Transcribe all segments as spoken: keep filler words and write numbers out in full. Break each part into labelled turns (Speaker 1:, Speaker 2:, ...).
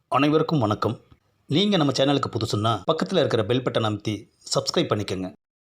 Speaker 1: அனைவருக்கும் வணக்கம். நீங்கள் நம்ம சேனலுக்கு புதுசுன்னா பக்கத்தில் இருக்கிற பெல் பட்டன் அமைத்தி சப்ஸ்கிரைப் பண்ணிக்கோங்க.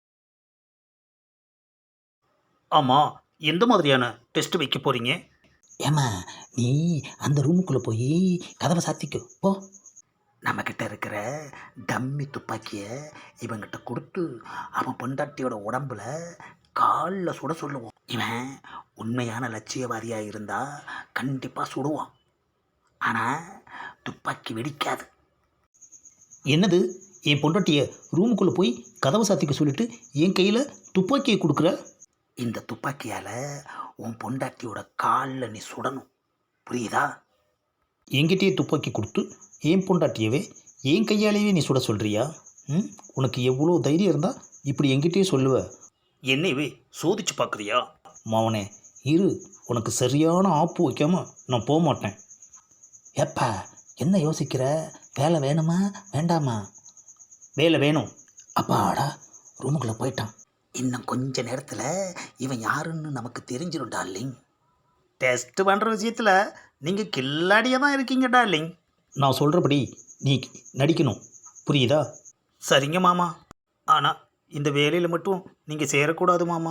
Speaker 1: ஆமாம், எந்த மாதிரியான டெஸ்ட் வைக்க போகிறீங்க?
Speaker 2: ஏம்மா, நீ அந்த ரூமுக்குள்ளே போய் கதவை சாத்திக்கோ போ. நம்மக்கிட்ட இருக்கிற டம்மி துப்பாக்கியை இவங்கிட்ட கொடுத்து அவன் பொண்டாட்டியோட உடம்புல காலில் சுட சொல்லுவோம். இவன் உண்மையான லட்சியவாதியாக இருந்தால் கண்டிப்பாக சுடுவான். ஆனால் துப்பாக்கி வெடிக்காது.
Speaker 1: என்னது, என் பொண்டாட்டியை ரூமுக்குள்ளே போய் கதவை சாத்திக்க சொல்லிட்டு என் கையில் துப்பாக்கியை கொடுக்குற?
Speaker 2: இந்த துப்பாக்கியால் உன் பொண்டாட்டியோட காலில் நீ சுடணும், புரியுதா?
Speaker 1: என்கிட்டயே துப்பாக்கி கொடுத்து என் பொண்டாட்டியவே என் கையாலேயே நீ சுட சொல்கிறியா? ம், உனக்கு எவ்வளோ தைரியம் இருந்தால் இப்படி என்கிட்டயே சொல்லுவ? என்னையவே சோதிச்சு பார்க்குறியா? மாவனே இரு, உனக்கு சரியான ஆப்பு வைக்காம நான் போக மாட்டேன்.
Speaker 2: ஏப்பா, என்ன யோசிக்கிற? வேலை வேணுமா வேண்டாமா?
Speaker 1: வேலை வேணும்.
Speaker 2: அப்பாடா, ரூமுக்குள்ளே போயிட்டான். இன்னும் கொஞ்ச நேரத்தில் இவன் யாருன்னு நமக்கு தெரிஞ்சிடும் டார்லிங்.
Speaker 1: டெஸ்ட் பண்ணுற விஷயத்தில் நீங்கள் கில்லாடியாக தான் இருக்கீங்க டார்லிங். நான் சொல்கிறபடி நீ நடிக்கணும், புரியுதா? சரிங்க மாமா, ஆனால் இந்த வேலையில் மட்டும் நீங்கள் சேரக்கூடாது மாமா.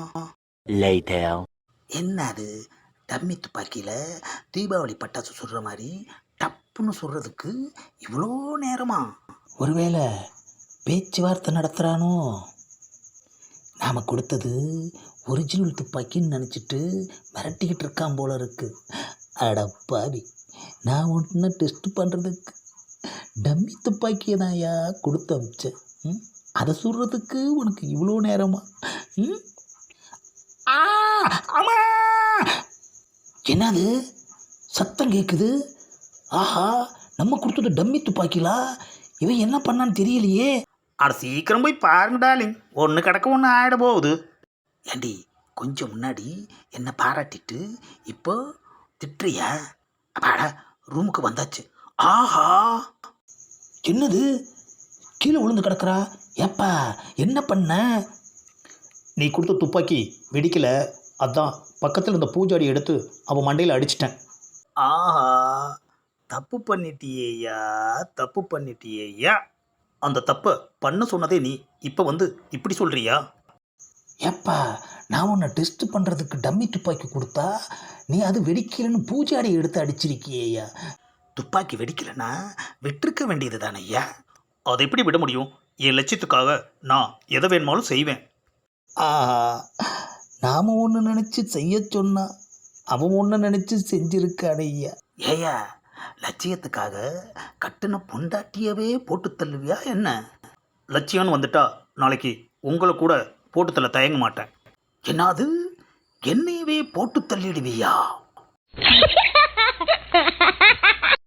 Speaker 2: என்ன அது, டம்மி துப்பாக்கியில் தீபாவளி பட்டாசு சுடுற மாதிரி டப்புன்னு சுடுறதுக்கு இவ்வளோ நேரமா? ஒருவேளை பேச்சுவார்த்தை நடத்துகிறானோ? நாம் கொடுத்தது ஒரிஜினல் துப்பாக்கின்னு நினச்சிட்டு மிரட்டிக்கிட்டு இருக்கான் போல இருக்கு. அடப்பாவி, நான் ஒன்று டெஸ்ட் பண்ணுறதுக்கு டம்மி துப்பாக்கியை தான் யா கொடுத்து அமிச்சேன். ம், அதை சுடுறதுக்கு உனக்கு இவ்வளோ நேரமா? ம், ஆ, ஆமா. என்னது சத்தம் கேட்குது? ஆஹா, நம்ம கொடுத்தது டம்மி துப்பாக்கிலா? இவன் என்ன பண்ணான்னு தெரியலையே.
Speaker 1: அட சீக்கிரம் போய் பாருங்க டார்லிங், ஒன்று கிடக்க ஒன்று ஆகிட போகுது.
Speaker 2: ஏண்டி, கொஞ்சம் முன்னாடி என்னை பாராட்டிட்டு இப்போ திட்டுறியா? அப்பாடா, ரூமுக்கு வந்தாச்சு. ஆஹா, என்னது கீழே விழுந்து கிடக்குறா? ஏப்பா, என்ன பண்ண?
Speaker 1: நீ கொடுத்த துப்பாக்கி வெடிக்கல, அதான் பக்கத்தில் இருந்த பூஜாடி எடுத்து அவன் மண்டையில் அடிச்சிட்டேன். ஆஹா, தப்பு பண்ணிட்டியேயா, தப்பு பண்ணிட்டியேயா. அந்த தப்பை பண்ண சொன்னதே நீ, இப்போ வந்து இப்படி சொல்கிறியா?
Speaker 2: ஏப்பா, நான் உன்னை டெஸ்ட் பண்ணுறதுக்கு டம்மி துப்பாக்கி கொடுத்தா நீ அது வெடிக்கலைன்னு பூஜாடி எடுத்து அடிச்சிருக்கியேயா. துப்பாக்கி வெடிக்கலைன்னா விட்டிருக்க வேண்டியது தானே ஐயா.
Speaker 1: அதை எப்படி விட முடியும்? என் லட்சியத்துக்காக நான் எதை வேணுமாலும் செய்வேன்.
Speaker 2: ஆஹா, நாம் ஒன்று நினச்சி செய்ய சொன்னா அவன் ஒன்று நினச்சி செஞ்சிருக்கானே ஐயா. ஏயா, லட்சியத்துக்காக கட்டின பொண்டாட்டியவே போட்டு தள்ளுவியா என்ன?
Speaker 1: லட்சியம்னு வந்துட்டா நாளைக்கு உங்களை கூட போட்டு தள்ள தயங்க மாட்டேன்.
Speaker 2: என்னது, என்னையவே போட்டு தள்ளிடுவியா?